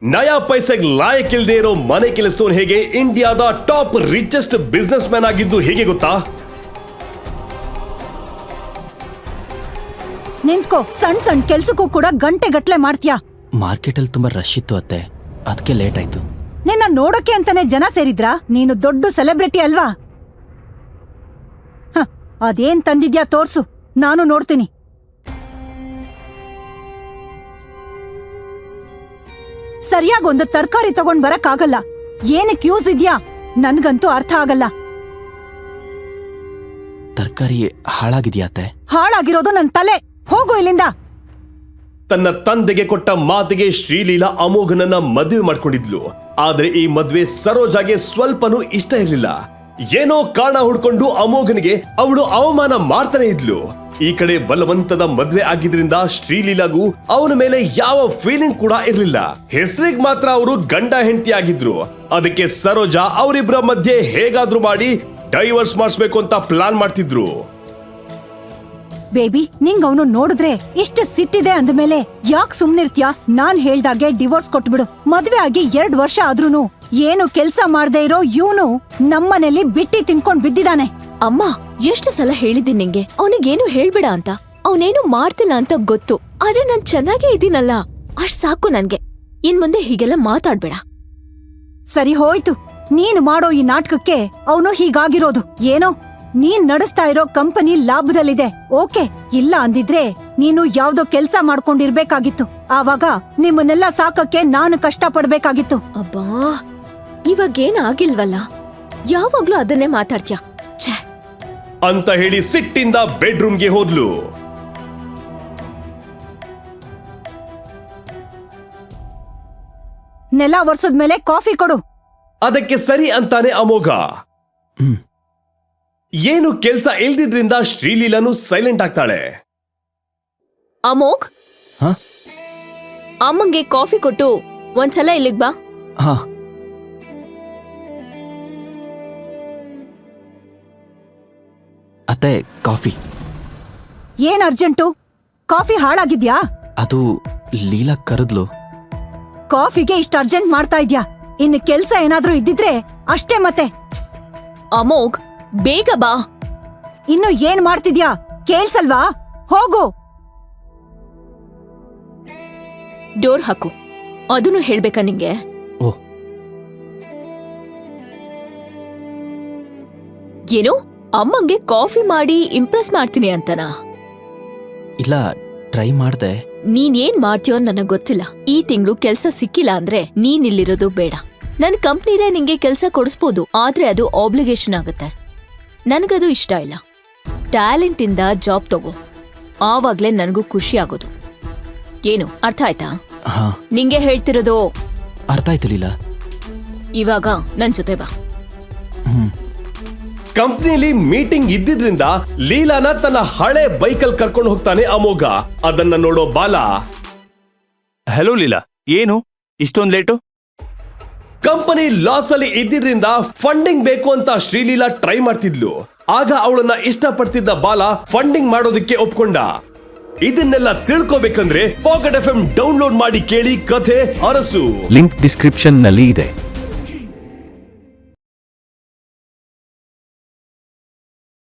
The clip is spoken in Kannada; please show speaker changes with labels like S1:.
S1: ನಯಾ ಪೈಸೆಗೆ ಲಾಯಕ್ ಇಲ್ದೇ ಇರೋ ಮನೆ ಕೆಲಸದವನು ಹೇಗೆ ಇಂಡಿಯಾದ ಟಾಪ್ ರಿಚೆಸ್ಟ್ ಬಿಸ್ನೆಸ್ ಮ್ಯಾನ್ ಆಗಿದ್ದು ಹೇಗೆ ಗೊತ್ತಾ?
S2: ನಿಂತ್ಕೋ, ಸಣ್ಣ ಕೆಲ್ಸಕ್ಕೂ ಕೂಡ ಗಂಟೆ ಗಟ್ಲೆ ಮಾಡ್ತೀಯಾ.
S3: ಮಾರ್ಕೆಟ್ ಅಲ್ಲಿ ತುಂಬಾ ರಶ್ ಇತ್ತು ಅತ್ತೆ, ಅದಕ್ಕೆ ಲೇಟ್ ಆಯ್ತು.
S2: ನಿನ್ನ ನೋಡಕ್ಕೆ ಅಂತಾನೆ ಜನ ಸೇರಿದ್ರಾ? ನೀನು ದೊಡ್ಡ ಸೆಲೆಬ್ರಿಟಿ ಅಲ್ವಾ? ಅದೇನ್ ತಂದಿದ್ಯಾ ತೋರ್ಸು, ನಾನು ನೋಡ್ತೀನಿ. ಸರಿಯಾಗಿ ಒಂದು ತರಕಾರಿ ತಗೊಂಡ್ ಬರಕ್ಕಾಗಲ್ಲ. ಏನಕ್ಕೆ ಯೂಸ್ ಇದ್ಯಾ? ನನ್ಗಂತೂ ಅರ್ಥ ಆಗಲ್ಲ.
S3: ತರಕಾರಿ ಹಾಳಾಗಿದ್ಯಾ ಅತ್ತೆ?
S2: ಹಾಳಾಗಿರೋದು ನನ್ ತಲೆ. ಹೋಗು ಇಲ್ಲಿಂದ.
S1: ತನ್ನ ತಂದೆಗೆ ಕೊಟ್ಟ ಮಾತಿಗೆ ಶ್ರೀಲೀಲಾ ಅಮೋಘನನ್ನ ಮದುವೆ ಮಾಡ್ಕೊಂಡಿದ್ಲು. ಆದ್ರೆ ಈ ಮದ್ವೆ ಸರೋಜಾಗೆ ಸ್ವಲ್ಪನೂ ಇಷ್ಟ ಇರಲಿಲ್ಲ. ಏನೋ ಕಾರಣ ಹುಡ್ಕೊಂಡು ಅಮೋಘನಿಗೆ ಅವಳು ಅವಮಾನ ಮಾಡ್ತಾನೆ ಇದ್ಲು. ಈ ಕಡೆ ಬಲವಂತದ ಮದ್ವೆ ಆಗಿದ್ರಿಂದ ಶ್ರೀಲೀಲಾಗೂ ಅವನ ಮೇಲೆ ಯಾವ ಫೀಲಿಂಗ್ ಕೂಡ ಇರ್ಲಿಲ್ಲ. ಹೆಸರಿಗೆ ಮಾತ್ರ ಅವರು ಗಂಡ ಹೆಂಡತಿ ಆಗಿದ್ರು. ಅದಕ್ಕೆ ಸರೋಜಾ ಅವರಿಬ್ಬರ ಮಧ್ಯೆ ಹೇಗಾದ್ರೂ ಮಾಡಿ ಡೈವರ್ಸ್ ಮಾಡಿಸ್ಬೇಕು ಅಂತ ಪ್ಲಾನ್ ಮಾಡ್ತಿದ್ರು.
S2: ಬೇಬಿ, ನಿಂಗ್ ಅವನು ನೋಡಿದ್ರೆ ಇಷ್ಟ ಸಿಟ್ಟಿದೆ ಅಂದ್ಮೇಲೆ ಯಾಕ್ ಸುಮ್ನಿರ್ತ್ಯಾ? ನಾನ್ ಹೇಳ್ದಾಗೆ ಡಿವೋರ್ಸ್ ಕೊಟ್ಬಿಡು. ಮದ್ವೆ ಆಗಿ 2 ವರ್ಷ ಆದ್ರೂನು ಏನು ಕೆಲ್ಸ ಮಾಡ್ದೆ ಇರೋ ಇವನು ನಮ್ಮನೇಲಿ ಬಿಟ್ಟಿ ತಿನ್ಕೊಂಡ್ ಬಿದ್ದಿದಾನೆ.
S4: ಅಮ್ಮ, ಎಷ್ಟು ಸಲ ಹೇಳಿದ್ದೀನಿ ನಿಂಗೆ ಅವನಿಗೇನು ಹೇಳ್ಬೇಡ ಅಂತ. ಅವನೇನು ಮಾಡ್ತಿಲ್ಲ ಅಂತ ಗೊತ್ತು, ಆದ್ರೆ ನಾನ್ ಚೆನ್ನಾಗೇ ಇದ್ದೀನಲ್ಲ, ಅಷ್ಟ್ ಸಾಕು ನನ್ಗೆ. ಇನ್ ಮುಂದೆ ಹೀಗೆಲ್ಲ ಮಾತಾಡ್ಬೇಡ.
S2: ಸರಿ ಹೋಯ್ತು, ನೀನು ಮಾಡೋ ಈ ನಾಟಕಕ್ಕೆ ಅವನು ಹೀಗಾಗಿರೋದು. ಏನೋ ನೀನ್ ನಡೆಸ್ತಾ ಇರೋ ಕಂಪನಿ ಲಾಭದಲ್ಲಿದೆ, ಓಕೆ. ಇಲ್ಲ ಅಂದಿದ್ರೆ ನೀನು ಯಾವ್ದೋ ಕೆಲ್ಸ ಮಾಡ್ಕೊಂಡಿರ್ಬೇಕಾಗಿತ್ತು. ಆವಾಗ ನಿಮ್ಮನ್ನೆಲ್ಲ ಸಾಕಕ್ಕೆ ನಾನು ಕಷ್ಟ ಪಡ್ಬೇಕಾಗಿತ್ತು.
S4: ಅಬ್ಬಾ, ಇವಾಗೇನ್ ಆಗಿಲ್ವಲ್ಲ, ಯಾವಾಗ್ಲೂ ಅದನ್ನೇ ಮಾತಾಡ್ತ್ಯಾ. ಛೇ
S1: ಅಂತ ಹೇಳಿ ಸಿಟ್ಟಿಂದ ಬೆಡ್ರೂಮ್ಗೆ ಹೋದ್ಲು.
S2: ನೆಲ ಒರ್ಸದ್ಮೇಲೆ ಕಾಫಿ ಕೊಡು.
S1: ಅದಕ್ಕೆ ಸರಿ ಅಂತಾನೆ ಅಮೋಘ. ಏನು ಕೆಲ್ಸ ಇಲ್ದಿದ್ರಿಂದ ಶ್ರೀಲೀಲಾನು ಸೈಲೆಂಟ್ ಆಗ್ತಾಳೆ.
S4: ಅಮೋಘ್, ಅಮ್ಮಂಗೆ ಕಾಫಿ ಕೊಟ್ಟು ಒಂದ್ಸಲ ಇಲ್ಲಿಗ್ ಬಾ.
S3: ಹಾ. ಅತ್ತೆ, ಕಾಫಿ.
S2: ಏನ್ ಅರ್ಜೆಂಟು? ಕಾಫಿ ಹಾಳಾಗಿದ್ಯಾ?
S3: ಅದು ಲೀಲಾ ಕರೆದ್ಲು.
S2: ಕಾಫಿಗೆ ಇಷ್ಟ ಅರ್ಜೆಂಟ್ ಮಾಡ್ತಾ ಇದ್ಯಾ? ಇನ್ನು ಕೆಲ್ಸ ಏನಾದ್ರೂ ಇದ್ದಿದ್ರೆ ಅಷ್ಟೇ. ಮತ್ತೆ
S4: ಅಮೋಘ್, ಬೇಗ ಬಾ.
S2: ಇನ್ನು ಏನ್ ಮಾಡ್ತಿದ್ಯಾ? ಕೇಳ್ಸಲ್ವಾ? ಹೋಗು.
S4: ಡೋರ್ ಹಾಕು. ಅದನ್ನು ಹೇಳ್ಬೇಕಾ ನಿಂಗೆ?
S3: ಓ,
S4: ಏನು ಅಮ್ಮಂಗೆ ಕಾಫಿ ಮಾಡಿ ಇಂಪ್ರೆಸ್ ಮಾಡ್ತೀನಿ ಅಂತನಾ?
S3: ಇಲ್ಲ, ಟ್ರೈ ಮಾಡ್ದೆ.
S4: ನೀನ್ ಏನ್ ಮಾಡ್ತೀಯೋ ನನಗ್ ಗೊತ್ತಿಲ್ಲ. ಈ ತಿಂಗಳು ಕೆಲ್ಸ ಸಿಕ್ಕಿಲ್ಲ ಅಂದ್ರೆ ನೀನ್ ಇಲ್ಲಿರೋದು ಬೇಡ. ನನ್ ಕಂಪ್ನಿಲೇ ನಿಂಗೆ ಕೆಲ್ಸ ಕೊಡಿಸ್ಬೋದು, ಆದ್ರೆ ಅದು ಆಬ್ಲಿಗೇಷನ್ ಆಗುತ್ತೆ. ನನಗದು ಇಷ್ಟ ಇಲ್ಲ. ಟ್ಯಾಲೆಂಟ್ ಇಂದ ಜಾಬ್ ತಗೋ, ಆವಾಗ್ಲೇ ನನಗೂ ಖುಷಿ ಆಗೋದು. ಏನು ಅರ್ಥ ಆಯ್ತಾ?
S3: ಹಾ,
S4: ನಿಂಗೆ ಹೇಳ್ತಿರೋದು
S3: ಅರ್ಥ ಆಯ್ತು ಲೀಲಾ.
S4: ಇವಾಗ ನನ್ ಜೊತೆ ಬಾ.
S1: ಕಂಪ್ನಿಲಿ ಮೀಟಿಂಗ್ ಇದ್ದಿದ್ರಿಂದ ಲೀಲಾನ ತನ್ನ ಹಳೆ ಬೈಕಲ್ ಕರ್ಕೊಂಡು ಹೋಗ್ತಾನೆ ಅಮೋಘ. ಅದನ್ನ ನೋಡೋ ಬಾಲ,
S5: ಹಲೋ ಲೀಲಾ, ಏನು ಇಷ್ಟೊಂದ್ ಲೇಟು?
S1: ಕಂಪನಿ ಲಾಸ್ ಅಲ್ಲಿ ಇದ್ದಿದ್ರಿಂದ ಫಂಡಿಂಗ್ ಬೇಕು ಅಂತ ಶ್ರೀಲೀಲಾ ಟ್ರೈ ಮಾಡ್ತಿದ್ಲು. ಆಗ ಅವಳನ್ನ ಇಷ್ಟಪಡ್ತಿದ್ದ ಬಾಲ ಫಂಡಿಂಗ್ ಮಾಡೋದಕ್ಕೆ ಒಪ್ಕೊಂಡ. ಇದನ್ನೆಲ್ಲ ತಿಳ್ಕೋಬೇಕಂದ್ರೆ ಪಾಕೆಟ್ FM ಡೌನ್ಲೋಡ್ ಮಾಡಿ ಕೇಳಿ ಕಥೆ ಅರಸು.
S6: ಲಿಂಕ್ ಡಿಸ್ಕ್ರಿಪ್ಷನ್ ನಲ್ಲಿ ಇದೆ.